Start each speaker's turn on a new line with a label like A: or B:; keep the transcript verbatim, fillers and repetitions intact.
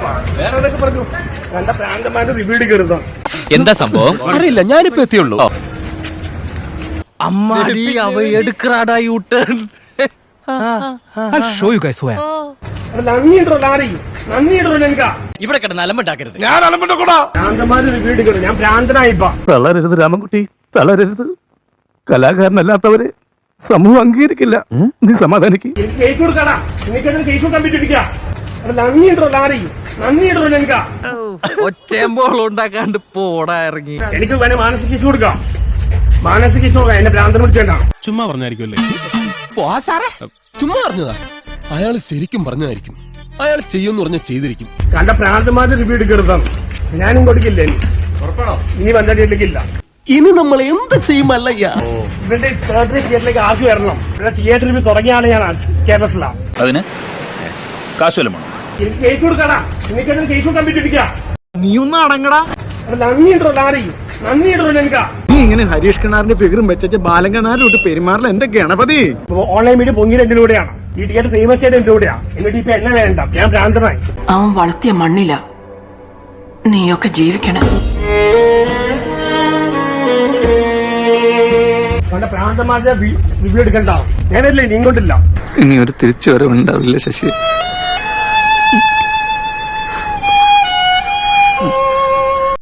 A: കണ്ട പ്രാന്തമായിട്ട് റിവ്യൂ എടുക്കരുത്.
B: എന്താ സംഭവം
C: അറിയില്ല, ഞാനിപ്പോ എത്തിയുള്ളൂ.
B: അമ്മാടി അവ എടുക്കറാടാ യൂ ടേൺ.
A: നന്ദിയുണ്ടോ ലാറി, നന്ദിയുണ്ടോ ഞങ്ങൾക്ക്.
B: ഇവിടെ കിടന്ന് അലമ്പുണ്ടാക്കരുത്.
C: ഞാൻ അലമ്പുണ്ടാക്കൂടാ.
A: പ്രാന്തമാര് റിവ്യൂ എടുക്കരുത്. ഞാൻ പ്രാന്തനായിപ്പ.
D: തളരരുത് രാമൻകുട്ടി, തളരരുത്. കലാകാരനല്ലാത്തവരെ സമൂഹം അംഗീകരിക്കില്ല. നീ സമാധാനിക്ക്.
A: എനിക്ക് കേസ് കൊടുക്കാടാ. എനിക്കതിന് കേസ് കൊടുക്കാൻ പറ്റില്ല. നന്ദിയുണ്ടോ ലാറി, നന്ദിയുണ്ടോ ഞങ്ങൾക്ക്.
B: ഒച്ചയമ്പോൾ ഉണ്ടാക്കാണ്ട് പോടാ ഇറങ്ങി.
A: എനിക്ക് വേണേ മാനസിക കേസ് കൊടുക്കാം. മാനസിക കേസ് കൊടുക്കാം. എന്നെ ഭ്രാന്തൻ വിളിച്ചേണ്ടാ.
E: ചുമ്മാ പറഞ്ഞായിരിക്കുമല്ലേ?
C: ചുമ്മാ പറഞ്ഞതാ. അയാൾ ശരിക്കും പറഞ്ഞതായിരിക്കും. അയാൾ ചെയ്യുമെന്ന് പറഞ്ഞാൽ ചെയ്തിരിക്കും.
A: കണ്ട പ്രാന്തമാര് റിവ്യൂ എടുക്കരുത്. ഞാനും കൊടുക്കില്ല. ഇനി വന്നിട്ടില്ല.
C: ഇനി നമ്മൾ എന്ത് ചെയ്യുമല്ലയ്യ.
A: ഇവന്റെ തിയേറ്ററിൽ തിയേറ്ററിലേക്ക് ആക്കി വരണം. ഇവിടെ തിയേറ്റർ റിവ്യൂ തുടങ്ങിയാണ് ഞാൻ കേരളത്തിലാണ്.
E: അതിന് കാശുവല്ലോ
A: എനിക്ക് കേസ് കൊടുക്കാടാ. എനിക്കതിന് കേസ് കൊടുക്കാൻ പറ്റില്ല.
F: നീ ഒന്ന് അടങ്ങടാ.
A: നന്ദിയുണ്ടോ ലാറി, നന്ദിയുണ്ടോ ഞങ്ങൾക്ക്.
F: നീ ഇങ്ങനെ ഹരീഷ് കിണാറിന്റെ ഫിഗറും വെച്ച ബാലങ്കനാരിലോട്ട് പെരുമാറില്ല. എന്റെ ഗണപതി
A: ഓൺലൈൻ മീഡിയ പൊങ്ങിയത് എന്റെ കൂടെയാണ്. ഈ തിയേറ്റർ ഫേമസ് ആയിട്ട് എന്റെ കൂടെയാണ്. എന്നിട്ട് ഇപ്പൊ എന്നെ വേണ്ട. ഞാൻ ഭ്രാന്തനായി.
G: അവൻ വളർത്തിയ മണ്ണില നീയൊക്കെ ജീവിക്കണം.
A: കണ്ട പ്രാന്തമാരുടെ റിവ്യൂ എടുക്കണ്ട. ഞാനല്ലേ നീ കൊണ്ടില്ല.
D: ഇനി ഒരു തിരിച്ചു വരവുണ്ടാവില്ല ശശി.